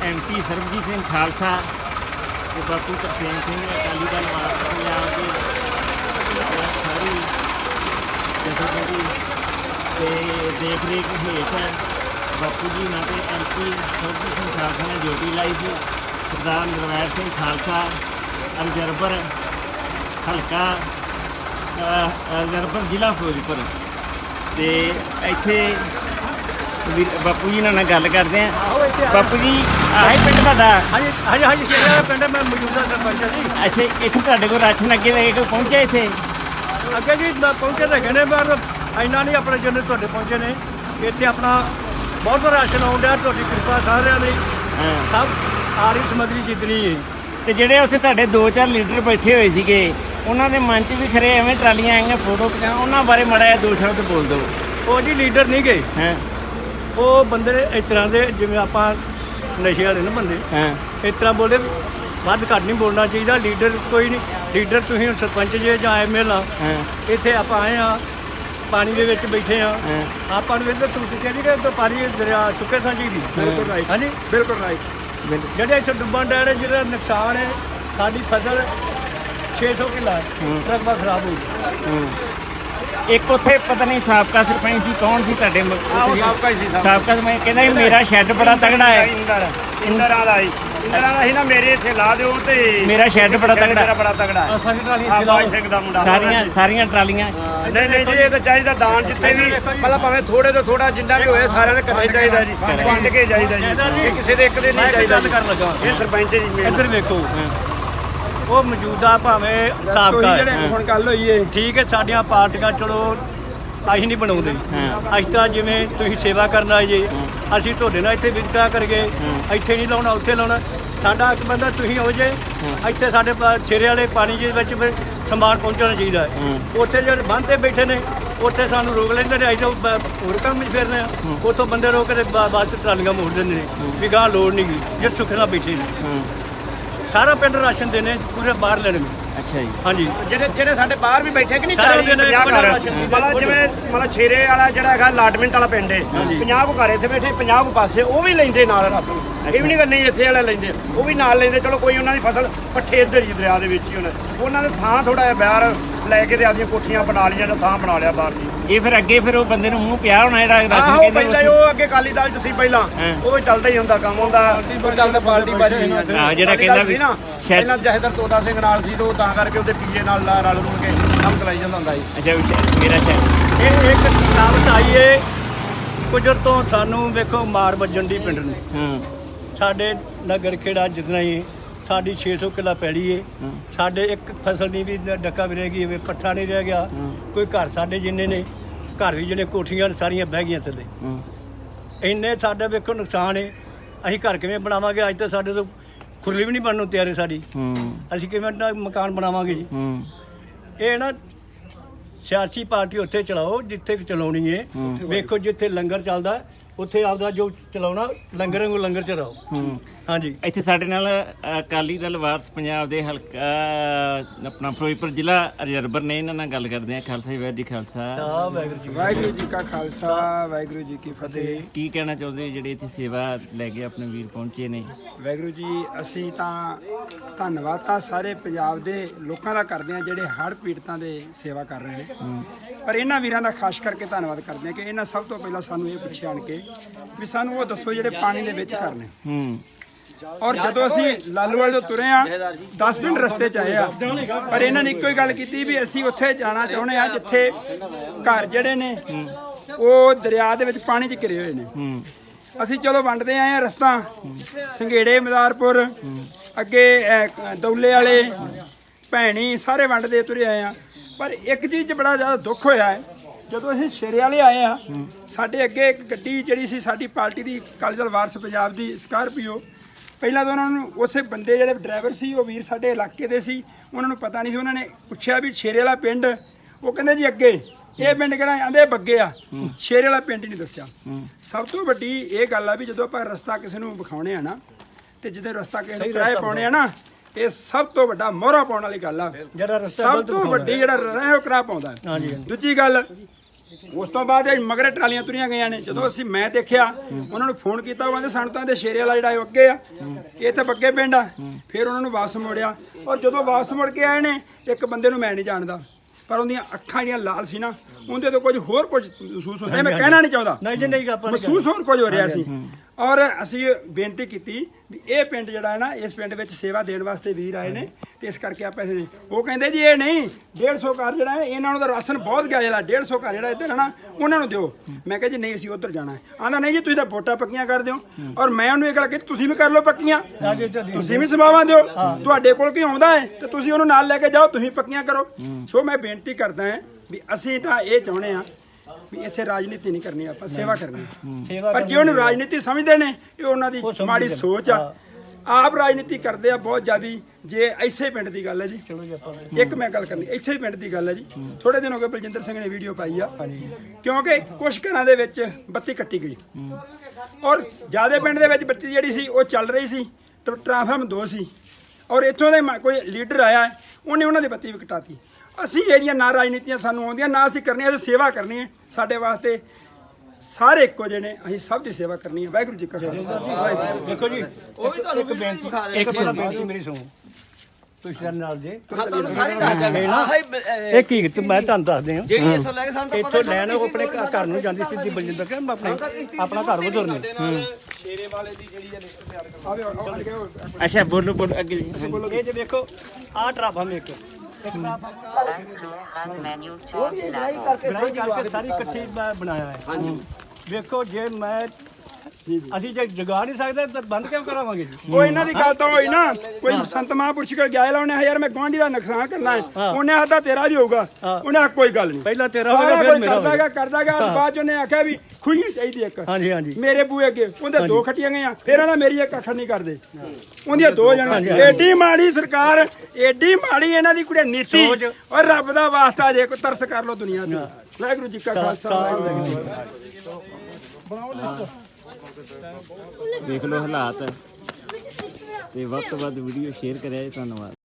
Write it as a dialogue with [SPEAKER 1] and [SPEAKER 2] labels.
[SPEAKER 1] MP Sarabjit Singh Khalsa ਤੇ ਬਾਪੂ ਤਰਸੇਮ ਸਿੰਘ ਅਕਾਲੀ ਦਲ ਵਾਰਸ ਪੰਜਾਬ ਦੇ ਸਾਰੀ ਜਥੇਬੰਦੀ ਤੇ ਦੇਖ ਰੇਖ ਹੇਠ ਬਾਪੂ ਜੀ ਨਾਲ ਤੇ MP ਸਰਬਜੀਤ ਸਿੰਘ ਖਾਲਸਾ ਨੇ ਡਿਊਟੀ ਲਾਈ ਸੀ। ਸਰਦਾਰ ਨਿਰਵੈਰ ਸਿੰਘ ਖਾਲਸਾ ਅਬਜ਼ਰਵਰ ਹਲਕਾ ਅਬਜ਼ਰਵਰ ਜ਼ਿਲ੍ਹਾ ਫਿਰੋਜ਼ਪੁਰ ਤੇ ਇੱਥੇ ਬਾਪੂ ਜੀ ਨਾਲ ਗੱਲ ਕਰਦੇ ਆ। ਬਾਪੂ ਜੀ ਆਹੀ ਪਿੰਡ ਤੁਹਾਡਾ?
[SPEAKER 2] ਹਾਂਜੀ ਹਾਂਜੀ ਹਾਂਜੀ ਸ਼ੇਰਾ ਪਿੰਡ ਮੈਂ ਮੌਜੂਦਾ ਸਰਪੰਚ ਹਾਂ ਜੀ।
[SPEAKER 1] ਅੱਛਾ, ਇੱਥੇ ਤੁਹਾਡੇ ਕੋਲ ਰਾਸ਼ਨ ਅੱਗੇ ਲੈ ਕੇ ਪਹੁੰਚਿਆ? ਇੱਥੇ
[SPEAKER 2] ਅੱਗੇ ਜੀ ਪਹੁੰਚੇ ਤਾਂ ਗਏ ਪਰ ਇੰਨਾ ਨਹੀਂ ਆਪਣੇ ਜਿੰਨੇ ਤੁਹਾਡੇ ਪਹੁੰਚੇ ਨੇ। ਇੱਥੇ ਆਪਣਾ ਬਹੁਤ ਰਾਸ਼ਨ ਆਉਣ ਡਿਆ, ਤੁਹਾਡੀ ਕਿਰਪਾ ਸਾਰਿਆਂ ਦੀ। ਸਭ ਆਰੀ ਸਮੱਗਰੀ ਜਿੱਤਣੀ ਹੈ।
[SPEAKER 1] ਤੇ ਜਿਹੜੇ ਉੱਥੇ ਤੁਹਾਡੇ 2-4 ਲੀਡਰ ਬੈਠੇ ਹੋਏ ਸੀਗੇ ਉਹਨਾਂ ਦੇ ਮਨ 'ਚ ਵੀ ਖਰੇ ਐਵੇਂ ਟਰਾਲੀਆਂ ਆਈਆਂ ਫੋਟੋ ਖਿਚਾ, ਉਹਨਾਂ ਬਾਰੇ ਮਾੜਾ ਜਿਹਾ 2 ਸ਼ਬਦ ਬੋਲ ਦਿਓ।
[SPEAKER 2] ਉਹ ਜੀ ਲੀਡਰ ਨਹੀਂ ਗਏ,
[SPEAKER 1] ਹਾਂ
[SPEAKER 2] ਉਹ ਬੰਦੇ ਇਸ ਤਰ੍ਹਾਂ ਦੇ ਜਿਵੇਂ ਆਪਾਂ ਨਸ਼ੇ ਵਾਲੇ ਨਾ ਬੰਦੇ,
[SPEAKER 1] ਹਾਂ
[SPEAKER 2] ਇਸ ਤਰ੍ਹਾਂ ਬੋਲਦੇ। ਵੱਧ ਘੱਟ ਨਹੀਂ ਬੋਲਣਾ ਚਾਹੀਦਾ। ਲੀਡਰ ਕੋਈ ਨਹੀਂ, ਲੀਡਰ ਤੁਸੀਂ ਸਰਪੰਚ ਜੇ ਜਾਂ ML ਆ। ਇੱਥੇ ਆਪਾਂ ਆਏ ਆ, ਪਾਣੀ ਦੇ ਵਿੱਚ ਬੈਠੇ ਆ। ਆਪਾਂ ਨੂੰ ਇੱਧਰ ਤੁਸੀਂ ਕਹਿੰਦੇ ਕਿ ਪਾਣੀ ਦਰਿਆ ਸੁੱਕੇ ਥਾਂ ਚਾਹੀਦੀ।
[SPEAKER 3] ਬਿਲਕੁਲ ਰਾਈਟ,
[SPEAKER 2] ਹਾਂਜੀ
[SPEAKER 3] ਬਿਲਕੁਲ ਰਾਈਟ।
[SPEAKER 2] ਜਿਹੜੇ ਇੱਥੇ ਡੁੱਬਣ ਡੈਣ ਜਿਹੜਾ ਨੁਕਸਾਨ ਹੈ, ਸਾਡੀ ਫਸਲ 600 ਕਿੱਲਾ ਰਕਬਾ ਖਰਾਬ ਹੋ ਗਿਆ।
[SPEAKER 1] ਇੱਕ ਉੱਥੇ ਪਤਾ ਨਹੀਂ ਸਾਬਕਾ ਸਰਪੰਚ ਸੀ, ਕੌਣ ਸੀ ਤੁਹਾਡੇ?
[SPEAKER 3] ਸਾਬਕਾ ਹੀ ਸੀ।
[SPEAKER 1] ਸਾਬਕਾ ਮੈਂ ਕਹਿੰਦਾ ਸੀ ਮੇਰਾ ਸ਼ੈੱਡ ਬੜਾ ਤਗੜਾ ਹੈ।
[SPEAKER 3] ਇੰਦਰਾਂ ਦਾ ਸੀ ਨਾ, ਮੇਰੇ ਇੱਥੇ ਲਾ ਦਿਓ ਤੇ
[SPEAKER 1] ਮੇਰਾ ਸ਼ੈੱਡ ਬੜਾ ਤਗੜਾ,
[SPEAKER 3] ਮੇਰਾ ਬੜਾ ਤਗੜਾ ਹੈ।
[SPEAKER 2] ਸਾਡੀ ਟਰਾਲੀ
[SPEAKER 3] ਬਾਈ ਸਿੰਘ ਦਾ ਮੁੰਡਾ।
[SPEAKER 1] ਸਾਰੀਆਂ ਟਰਾਲੀਆਂ।
[SPEAKER 3] ਨਹੀਂ ਨਹੀਂ ਜੀ, ਇਹ ਤਾਂ ਚਾਹੀਦਾ ਦਾਨ ਜਿੱਥੇ ਵੀ ਪਹਿਲਾਂ ਭਾਵੇਂ ਥੋੜੇ ਤੋਂ ਥੋੜਾ ਜਿੰਨਾ ਵੀ ਹੋਏ ਸਾਰਿਆਂ ਦੇ ਕਰਨਾ ਚਾਹੀਦਾ ਜੀ। ਵੰਡ ਕੇ ਚਾਹੀਦਾ ਜੀ, ਇਹ ਕਿਸੇ ਦੇ ਇੱਕ ਦੇ ਨਹੀਂ ਚਾਹੀਦਾ।
[SPEAKER 2] ਕਰਨ ਲੱਗਾ
[SPEAKER 3] ਇਹ ਸਰਪੰਚ ਜੀ
[SPEAKER 2] ਇੱਧਰ ਵੇਖੋ, ਉਹ ਮੌਜੂਦਾ ਭਾਵੇਂ ਸਾਬਕਾ
[SPEAKER 3] ਜਿਹੜੇ ਹੁਣ ਗੱਲ ਹੋਈ ਏ,
[SPEAKER 2] ਠੀਕ ਹੈ। ਸਾਡੀਆਂ ਪਾਰਟੀਆਂ ਚਲੋ ਅਸੀਂ ਨਹੀਂ ਬਣਾਉਂਦੇ। ਅਸੀਂ ਤਾਂ ਜਿਵੇਂ ਤੁਸੀਂ ਸੇਵਾ ਕਰਨ ਆਏ ਜੇ, ਅਸੀਂ ਤੁਹਾਡੇ ਨਾਲ ਇੱਥੇ ਵਿਜ਼ਿਟਾ ਕਰਗੇ। ਇੱਥੇ ਨਹੀਂ ਲਾਉਣਾ, ਉੱਥੇ ਲਾਉਣਾ। ਸਾਡਾ ਇੱਕ ਬੰਦਾ ਤੁਸੀਂ ਹੋ ਜੇ ਇੱਥੇ ਸਾਡੇ ਛੇਰੇ ਵਾਲੇ ਪਾਣੀ ਦੇ ਵਿੱਚ ਸਮਾਨ ਪਹੁੰਚਣਾ ਚਾਹੀਦਾ ਹੈ। ਉੱਥੇ ਜਿਹੜੇ ਬੰਨ੍ਹ ਤੇ ਬੈਠੇ ਨੇ ਉੱਥੇ ਸਾਨੂੰ ਰੋਕ ਲੈਂਦੇ ਨੇ। ਅਸੀਂ ਤਾਂ ਹੋਰ ਕੰਮ ਵਿੱਚ ਫਿਰਨੇ ਆ, ਉੱਥੋਂ ਬੰਦੇ ਰੋਕ ਕੇ ਬੱਸ ਟਰਾਲੀਆਂ ਮੋੜ ਦਿੰਦੇ ਨੇ ਵੀ ਗਾਂ ਲੋੜ ਨਹੀਂ ਗਈ। ਜਿਹੜੇ ਸੁੱਖ ਨਾਲ ਬੈਠੇ ਨੇ ਸਾਰਾ ਪਿੰਡ ਰਾਸ਼ਨ ਦੇਣੇ, ਪੂਰੇ ਬਾਹਰ ਲੈਣਗੇ।
[SPEAKER 1] ਅੱਛਾ ਜੀ।
[SPEAKER 2] ਹਾਂਜੀ,
[SPEAKER 3] ਜਿਹੜੇ ਸਾਡੇ ਬਾਹਰ ਵੀ ਬੈਠੇ ਕਿ ਨਹੀਂ
[SPEAKER 2] ਸਾਰੇ
[SPEAKER 3] 40
[SPEAKER 2] ਦਿਨ
[SPEAKER 3] 50 ਘਰ।
[SPEAKER 2] ਰਾਸ਼ਨ ਦੀ
[SPEAKER 3] ਮਤਲਬ ਜਿਵੇਂ ਛੇਰੇ ਵਾਲਾ ਜਿਹੜਾ ਹੈਗਾ ਅਲਾਟਮੈਂਟ ਵਾਲਾ ਪਿੰਡ ਹੈ, 50 ਘਰ ਇੱਥੇ ਬੈਠੇ, 50 ਪਾਸੇ ਉਹ ਵੀ ਲੈਂਦੇ ਨਾਲ ਰਾਸ਼ਨ। ਇਹ ਵੀ ਨਹੀਂ ਕਰਨੀ ਇੱਥੇ ਵਾਲੇ ਲੈਂਦੇ, ਉਹ ਵੀ ਨਾਲ ਲੈਂਦੇ। ਚਲੋ ਕੋਈ ਉਹਨਾਂ ਦੀ ਫਸਲ ਪੱਠੇ ਇੱਧਰ ਹੀ ਦਰਿਆ ਦੇ ਵਿੱਚ ਹੀ ਉਹਨਾਂ ਦੇ ਥਾਂ ਥੋੜਾ ਜਿਹਾ ਬਾਹਰ ਲੈ ਕੇ ਤੇ ਆਪਦੀਆਂ ਕੋਠੀਆਂ ਬਣਾ ਲਈਆਂ ਜਾਂ ਥਾਂ ਬਣਾ ਲਿਆ ਬਾਹਰ ਦੀ।
[SPEAKER 1] ਇਹ ਫਿਰ ਅੱਗੇ ਫਿਰ ਉਹ ਬੰਦੇ ਨੂੰ ਮੂੰਹ ਪਿਆ ਹੋਣਾ ਜਿਹੜਾ ਰਾਸ਼ਨ
[SPEAKER 3] ਪਹਿਲਾਂ
[SPEAKER 1] ਕਹਿੰਦੇ
[SPEAKER 3] ਉਹ ਅੱਗੇ ਅਕਾਲੀ ਦਲ ਚ ਸੀ ਪਹਿਲਾਂ, ਉਹ ਚੱਲਦਾ ਹੀ ਹੁੰਦਾ ਕੰਮ ਹੁੰਦਾ। ਚੱਲਦਾ ਪਾਰਟੀ ਬਾਜੀ
[SPEAKER 1] ਜਿਹੜਾ ਕਹਿੰਦਾ ਵੀ
[SPEAKER 3] ਨਾ ਪਹਿਲਾਂ ਜਹਦਰ ਤੋਤਾ ਸਿੰਘ ਨਾਲ ਸੀ, ਤਾਂ ਤਾਂ ਕਰਕੇ ਉਹਦੇ ਪੀਏ ਨਾਲ ਰਲ ਰੁਲ ਕੇ ਕੰਮ ਚਲਾਈ ਜਾਂਦਾ ਹੁੰਦਾ ਸੀ।
[SPEAKER 1] ਅੱਛਾ, ਮੇਰਾ ਸ਼ੈੱਡ।
[SPEAKER 2] ਇਹ ਇੱਕ ਕਹਾਵਤ ਆਈ ਏ, ਕੁਦਰਤ ਤੋਂ ਸਾਨੂੰ ਵੇਖੋ ਮਾਰ ਵੱਜਣ ਦੀ ਪਿੰਡ ਨੂੰ। ਸਾਡੇ ਨਗਰ ਖੇੜਾ ਜਿਤਨਾ ਹੀ ਸਾਡੀ 600 ਕਿੱਲਾ ਪੈਲੀ ਏ। ਸਾਡੇ ਇੱਕ ਫਸਲ ਨਹੀਂ ਵੀ ਡੱਕਾ ਵੀ ਰਹਿ ਗਈ, ਪੱਠਾ ਨਹੀਂ ਰਹਿ ਗਿਆ। ਕੋਈ ਘਰ ਸਾਡੇ ਜਿੰਨੇ ਨੇ ਘਰ ਵੀ ਜਿਹੜੇ ਕੋਠੀਆਂ ਸਾਰੀਆਂ ਬਹਿ ਗਈਆਂ ਥੱਲੇ। ਇੰਨੇ ਸਾਡਾ ਵੇਖੋ ਨੁਕਸਾਨ ਏ। ਅਸੀਂ ਘਰ ਕਿਵੇਂ ਬਣਾਵਾਂਗੇ? ਅੱਜ ਤਾਂ ਸਾਡੇ ਤੋਂ ਖੁਰਲੀ ਵੀ ਨਹੀਂ ਬਣਨ ਨੂੰ ਤਿਆਰ ਸਾਡੀ। ਅਸੀਂ ਕਿਵੇਂ ਮਕਾਨ ਬਣਾਵਾਂਗੇ ਜੀ? ਇਹ ਨਾ ਸਿਆਸੀ ਪਾਰਟੀ ਉੱਥੇ ਚਲਾਓ ਜਿੱਥੇ ਚਲਾਉਣੀ ਏ। ਵੇਖੋ ਜਿੱਥੇ ਲੰਗਰ ਚੱਲਦਾ ਉੱਥੇ ਆਪਦਾ ਜੋ ਚਲਾਉਣਾ ਲੰਗਰ ਨੂੰ ਲੰਗਰ ਚ ਰਹੋ। ਹਾਂਜੀ,
[SPEAKER 1] ਇੱਥੇ ਸਾਡੇ ਨਾਲ ਅਕਾਲੀ ਦਲ ਵਾਰਸ ਪੰਜਾਬ ਦੇ ਹਲਕਾ ਆਪਣਾ ਫਿਰੋਜ਼ਪੁਰ ਜ਼ਿਲ੍ਹਾ ਅਬਜ਼ਰਵਰ ਨੇ, ਇਹਨਾਂ ਨਾਲ ਗੱਲ ਕਰਦੇ ਆ। ਖਾਲਸਾ ਜੀ, ਵਾਹਿਗੁਰੂ ਜੀ ਖਾਲਸਾ।
[SPEAKER 3] ਵਾਹਿਗੁਰੂ ਜੀ ਕਾ ਖਾਲਸਾ, ਵਾਹਿਗੁਰੂ ਜੀ ਕੀ ਫਤਿਹ।
[SPEAKER 1] ਕੀ ਕਹਿਣਾ ਚਾਹੁੰਦੇ ਜਿਹੜੇ ਇੱਥੇ ਸੇਵਾ ਲੈ ਕੇ ਆਪਣੇ ਵੀਰ ਪਹੁੰਚੇ ਨੇ?
[SPEAKER 4] ਵਾਹਿਗੁਰੂ ਜੀ, ਅਸੀਂ ਤਾਂ ਧੰਨਵਾਦ ਤਾਂ ਸਾਰੇ ਪੰਜਾਬ ਦੇ ਲੋਕਾਂ ਦਾ ਕਰਦੇ ਹਾਂ ਜਿਹੜੇ ਹੜ੍ਹ ਪੀੜਤਾਂ ਦੇ ਸੇਵਾ ਕਰ ਰਹੇ ਨੇ। ਪਰ ਇਹਨਾਂ ਵੀਰਾਂ ਦਾ ਖਾਸ ਕਰਕੇ ਧੰਨਵਾਦ ਕਰਦੇ ਹਾਂ ਕਿ ਇਹਨਾਂ ਸਭ ਤੋਂ ਪਹਿਲਾਂ ਸਾਨੂੰ ਇਹ ਪੁੱਛਿਆ ਆਣ ਕੇ ਵੀ ਸਾਨੂੰ ਉਹ ਦੱਸੋ ਜਿਹੜੇ ਪਾਣੀ ਦੇ ਵਿੱਚ ਕਰਨੇ। ਔਰ ਜਦੋਂ ਅਸੀਂ ਲਾਲੂਵਾਲ ਤੋਂ ਤੁਰੇ ਆ 10 ਮਿੰਟ ਰਸਤੇ 'ਚ ਆਏ ਆ, ਪਰ ਇਹਨਾਂ ਨੇ ਇੱਕੋ ਹੀ ਗੱਲ ਕੀਤੀ ਵੀ ਅਸੀਂ ਉੱਥੇ ਜਾਣਾ ਚਾਹੁੰਦੇ ਆ ਜਿੱਥੇ ਘਰ ਜਿਹੜੇ ਨੇ ਉਹ ਦਰਿਆ ਦੇ ਵਿੱਚ ਪਾਣੀ 'ਚ ਘਿਰੇ ਹੋਏ ਨੇ। ਅਸੀਂ ਚਲੋ ਵੰਡਦੇ ਆਏ ਆ ਰਸਤਾ, ਸੰਘੇੜੇ, ਮਦਾਰਪੁਰ, ਅੱਗੇ ਦੌਲੇ ਵਾਲੇ, ਭੈਣੀ, ਸਾਰੇ ਵੰਡਦੇ ਤੁਰੇ ਆਏ ਆ। ਪਰ ਇੱਕ ਚੀਜ਼ 'ਚ ਬੜਾ ਜ਼ਿਆਦਾ ਦੁੱਖ ਹੋਇਆ ਹੈ, ਜਦੋਂ ਅਸੀਂ ਸ਼ੇਰੇ ਵਾਲੇ ਆਏ ਆ, ਸਾਡੇ ਅੱਗੇ ਇੱਕ ਗੱਡੀ ਜਿਹੜੀ ਸੀ ਸਾਡੀ ਪਾਰਟੀ ਦੀ ਅਕਾਲੀ ਦਲ ਵਾਰਸ ਪੰਜਾਬ ਦੀ ਸਕਾਰਪੀਓ। ਪਹਿਲਾਂ ਤਾਂ ਉਹਨਾਂ ਨੂੰ ਉੱਥੇ ਬੰਦੇ ਜਿਹੜੇ ਡਰਾਈਵਰ ਸੀ ਉਹ ਵੀਰ ਸਾਡੇ ਇਲਾਕੇ ਦੇ ਸੀ, ਉਹਨਾਂ ਨੂੰ ਪਤਾ ਨਹੀਂ ਸੀ। ਉਹਨਾਂ ਨੇ ਪੁੱਛਿਆ ਵੀ ਸ਼ੇਰੇ ਵਾਲਾ ਪਿੰਡ, ਉਹ ਕਹਿੰਦੇ ਜੀ ਅੱਗੇ। ਇਹ ਪਿੰਡ ਕਿਹੜਾ? ਆਂਦੇ ਬੱਗੇ ਆ। ਸ਼ੇਰੇ ਵਾਲਾ ਪਿੰਡ ਹੀ ਨਹੀਂ ਦੱਸਿਆ। ਸਭ ਤੋਂ ਵੱਡੀ ਇਹ ਗੱਲ ਆ ਵੀ ਜਦੋਂ ਆਪਾਂ ਰਸਤਾ ਕਿਸੇ ਨੂੰ ਵਿਖਾਉਣੇ ਆ ਨਾ, ਤੇ ਜਦੋਂ ਰਸਤਾ ਕਿਸੇ ਨੂੰ ਕਿਰਾਏ ਪਾਉਣੇ ਆ ਨਾ, ਇਹ ਸਭ ਤੋਂ ਵੱਡਾ ਮੋਹਰਾ ਪਾਉਣ ਵਾਲੀ ਗੱਲ ਆ।
[SPEAKER 2] ਜਿਹੜਾ ਰਸਤਾ
[SPEAKER 4] ਸਭ ਤੋਂ ਵੱਡੀ ਜਿਹੜਾ ਰਾਹ ਉਹ ਕਿਰਾਇਆ ਪਾਉਂਦਾ। ਦੂਜੀ ਗੱਲ, ਉਸ ਤੋਂ ਬਾਅਦ ਇਹ ਮਗਰੇ ਟਰਾਲੀਆਂ ਤੁਰੀਆਂ ਗਈਆਂ ਨੇ। ਜਦੋਂ ਮੈਂ ਦੇਖਿਆ, ਉਹਨਾਂ ਨੂੰ ਫੋਨ ਕੀਤਾ, ਉਹ ਕਹਿੰਦੇ ਸਾਨੂੰ ਤਾਂ ਇਹਦੇ ਸ਼ੇਰੇ ਵਾਲਾ ਜਿਹੜਾ ਇਹ ਅੱਗੇ ਆ, ਇਹ ਇੱਥੇ ਬੱਗੇ ਪਿੰਡ ਆ। ਫਿਰ ਉਹਨਾਂ ਨੂੰ ਵਾਪਸ ਮੋੜਿਆ, ਔਰ ਜਦੋਂ ਵਾਪਸ ਮੁੜ ਕੇ ਆਏ ਨੇ, ਇੱਕ ਬੰਦੇ ਨੂੰ ਮੈਂ ਨਹੀਂ ਜਾਣਦਾ, ਪਰ ਉਹਦੀਆਂ ਅੱਖਾਂ ਜਿਹੜੀਆਂ ਲਾਲ ਸੀ ਨਾ, ਉਹਦੇ ਤੋਂ ਕੁਝ ਹੋਰ ਕੁਝ ਮਹਿਸੂਸ ਹੁੰਦਾ, ਮੈਂ ਕਹਿਣਾ ਨਹੀਂ ਚਾਹੁੰਦਾ, ਮਹਿਸੂਸ ਹੋਰ ਕੁਝ ਹੋ ਰਿਹਾ ਸੀ। ਔਰ ਅਸੀਂ ਬੇਨਤੀ ਕੀਤੀ ਵੀ ਇਹ ਪਿੰਡ ਜਿਹੜਾ ਹੈ ਨਾ, ਇਸ ਪਿੰਡ ਵਿੱਚ ਸੇਵਾ ਦੇਣ ਵਾਸਤੇ ਵੀਰ ਆਏ ਨੇ, ਤੇ ਇਸ ਕਰਕੇ ਆਪਾਂ ਪੈਸੇ। ਉਹ ਕਹਿੰਦੇ ਜੀ ਇਹ ਨਹੀਂ, 150 ਘਰ ਜਿਹੜਾ ਹੈ, ਇਹਨਾਂ ਨੂੰ ਤਾਂ ਰਾਸ਼ਨ ਬਹੁਤ ਗਿਆ ਜਿਹੜਾ 150 ਘਰ ਜਿਹੜਾ ਇੱਧਰ ਹੈ ਨਾ, ਉਹਨਾਂ ਨੂੰ ਦਿਓ। ਮੈਂ ਕਿਹਾ ਜੀ ਨਹੀਂ, ਅਸੀਂ ਉੱਧਰ ਜਾਣਾ ਹੈ। ਆਂਦਾ ਨਹੀਂ ਜੀ, ਤੁਸੀਂ ਤਾਂ ਵੋਟਾਂ ਪੱਕੀਆਂ ਕਰ ਦਿਓ। ਔਰ ਮੈਂ ਉਹਨੂੰ ਇਹ ਗੱਲ ਕਹੀ, ਤੁਸੀਂ ਵੀ ਕਰ ਲਓ ਪੱਕੀਆਂ, ਤੁਸੀਂ ਵੀ ਸੇਵਾਵਾਂ ਦਿਓ, ਤੁਹਾਡੇ ਕੋਲ ਕੀ ਆਉਂਦਾ ਹੈ ਤੇ ਤੁਸੀਂ ਉਹਨੂੰ ਨਾਲ ਲੈ ਕੇ ਜਾਓ, ਤੁਸੀਂ ਪੱਕੀਆਂ ਕਰੋ। ਸੋ ਮੈਂ ਬੇਨਤੀ ਕਰਦਾ ਹਾਂ ਵੀ ਅਸੀਂ ਤਾਂ ਇਹ ਚਾਹੁੰਦੇ ਹਾਂ ਵੀ ਇੱਥੇ ਰਾਜਨੀਤੀ ਨਹੀਂ ਕਰਨੀ, ਆਪਾਂ ਸੇਵਾ ਕਰਨੀ। ਪਰ ਜੇ ਉਹਨੂੰ ਰਾਜਨੀਤੀ ਸਮਝਦੇ ਨੇ, ਇਹ ਉਹਨਾਂ ਦੀ ਮਾੜੀ ਸੋਚ ਆ। ਆਪ ਰਾਜਨੀਤੀ ਕਰਦੇ ਆ ਬਹੁਤ ਜ਼ਿਆਦੀ। ਜੇ ਇਸੇ ਪਿੰਡ ਦੀ ਗੱਲ ਹੈ ਜੀ, ਇੱਕ ਮੈਂ ਗੱਲ ਕਰਨੀ, ਇੱਥੇ ਪਿੰਡ ਦੀ ਗੱਲ ਹੈ ਜੀ। ਥੋੜੇ ਦਿਨ ਹੋ ਗਏ ਬਲਜਿੰਦਰ ਸਿੰਘ ਨੇ ਵੀਡੀਓ ਪਾਈ ਆ, ਕਿਉਂਕਿ ਕੁਝ ਘਰਾਂ ਦੇ ਵਿੱਚ ਬੱਤੀ ਕੱਟੀ ਗਈ, ਔਰ ਜਿਆਦਾ ਪਿੰਡ ਦੇ ਵਿੱਚ ਬੱਤੀ ਜਿਹੜੀ ਸੀ ਉਹ ਚੱਲ ਰਹੀ ਸੀ, ਟਰਾਂਸਫਾਰਮ 2 ਸੀ, ਔਰ ਇੱਥੋਂ ਦੇ ਕੋਈ ਲੀਡਰ ਆਇਆ, ਉਹਨੇ ਉਹਨਾਂ ਦੀ ਬੱਤੀ ਵੀ ਕਟਾਤੀ। ਅਸੀਂ ਇਹਦੀਆਂ ਨਾ ਰਾਜਨੀਤੀਆਂ ਸਾਨੂੰ ਆਉਂਦੀਆਂ, ਨਾ ਅਸੀਂ ਕਰਨੀਆਂ, ਅਸੀਂ ਸੇਵਾ ਕਰਨੀ ਹੈ। ਸਾਡੇ ਵਾਸਤੇ ਸਾਰੇ ਇੱਕੋ ਜਿਹੇ ਨੇ, ਅਸੀਂ ਸਭ ਦੀ ਸੇਵਾ ਕਰਨੀ ਹੈ। ਵਾਹਿਗੁਰੂ ਜੀ ਕਾ ਖਾਲਸਾ।
[SPEAKER 2] ਦੇਖੋ ਜੀ, ਇੱਕ ਬੇਨਤੀ ਮੇਰੀ ਸੁਣੋ, ਤੁਸੀਂ ਨਾਲ ਜੇ ਇਹ ਕੀ ਮੈਂ ਤੁਹਾਨੂੰ ਦੱਸਦੇ ਹਾਂ, ਜਿਹੜੀ ਇੱਥੋਂ ਲੈ ਕੇ ਸਾਨੂੰ ਇੱਥੋਂ ਲੈਣ ਉਹ ਆਪਣੇ ਘਰ ਨੂੰ ਜਾਂਦੀ ਸਿੱਧੀ ਬਲਜਿੰਦਰ ਕਹਿੰਦਾ ਆਪਣਾ ਘਰ ਵਧਰਨੇ ਸ਼ੇਰੇ ਵਾਲੇ ਦੀ ਜਿਹੜੀ
[SPEAKER 1] ਅੱਛਾ ਬੋਲੋ ਬੋਲੋ ਅੱਗੇ
[SPEAKER 2] ਇਹ ਜੇ ਵੇਖੋ ਆਹ ਟਰਾਫਾ ਮੇਕ
[SPEAKER 5] ਮੈਨੂ ਚਾਰਜ
[SPEAKER 2] ਬਣਾਈ ਕਰਕੇ ਸਾਰੀ ਇਕੱਠੀ ਬਣਾਇਆ ਹੈ। ਵੇਖੋ ਜੇ ਮੈਂ ਅਸੀਂ ਜੇ ਜਗਾ ਨਹੀਂ ਸਕਦੇ ਤਾਂ ਬੰਦ ਕਿਉਂ ਕਰਾਵਾਂਗੇ ਜੀ?
[SPEAKER 4] ਉਹ ਇਹਨਾਂ ਦੀ ਗੱਲ ਤਾਂ ਹੋਈ ਨਾ, ਕੋਈ ਸੰਤ ਮਹਾਂਪੁਰਸ਼ ਕੋਲ ਗਿਆ ਲਾਉਣੇ, ਯਾਰ ਮੈਂ ਗੁਆਂਢੀ ਦਾ ਨੁਕਸਾਨ ਕਰਨਾ ਹੈ, ਉਹਨੇ ਆਖਦਾ ਤੇਰਾ ਵੀ ਹੋਊਗਾ, ਉਹਨੇ ਆਖ ਕੋਈ ਗੱਲ ਨਹੀਂ,
[SPEAKER 2] ਪਹਿਲਾਂ ਤੇਰਾ ਹੋਵੇਗਾ ਫਿਰ ਮੇਰਾ ਹੋਵੇਗਾ,
[SPEAKER 4] ਕਰਦਾਗਾ। ਬਾਅਦ ਚ ਉਹਨੇ ਆਖਿਆ ਵੀ ਖੁੱਲੀ ਚਾਹੀਦੀ ਇੱਕ,
[SPEAKER 2] ਹਾਂਜੀ ਹਾਂਜੀ,
[SPEAKER 4] ਮੇਰੇ ਬੂਏ ਅੱਗੇ ਉਹਦੇ 2 ਖੱਟੀਆਂ ਗਈਆਂ, ਫਿਰ ਕਹਿੰਦਾ ਮੇਰੀ ਇੱਕ ਅੱਖ ਨਹੀਂ ਕਰਦੇ, ਉਹਦੀਆਂ 2 ਜਣੀਆਂ। ਏਡੀ ਮਾੜੀ ਸਰਕਾਰ, ਏਡੀ ਮਾੜੀ ਇਹਨਾਂ ਦੀ ਕੁੜੇ ਨੀਤੀ। ਔਰ ਰੱਬ ਦਾ ਵਾਸਤਾ ਜੇ ਕੋਈ ਤਰਸ ਕਰ ਲੋ ਦੁਨੀਆ ਤੇ। ਵਾਹਿਗੁਰੂ ਜੀ ਕਾ ਖਾਲਸਾ।
[SPEAKER 1] ਦੇਖ ਲਓ ਹਾਲਾਤ, ਤੇ ਵੱਧ ਤੋਂ ਵੱਧ ਵੀਡੀਓ ਸ਼ੇਅਰ ਕਰਿਆ ਜੀ। ਧੰਨਵਾਦ।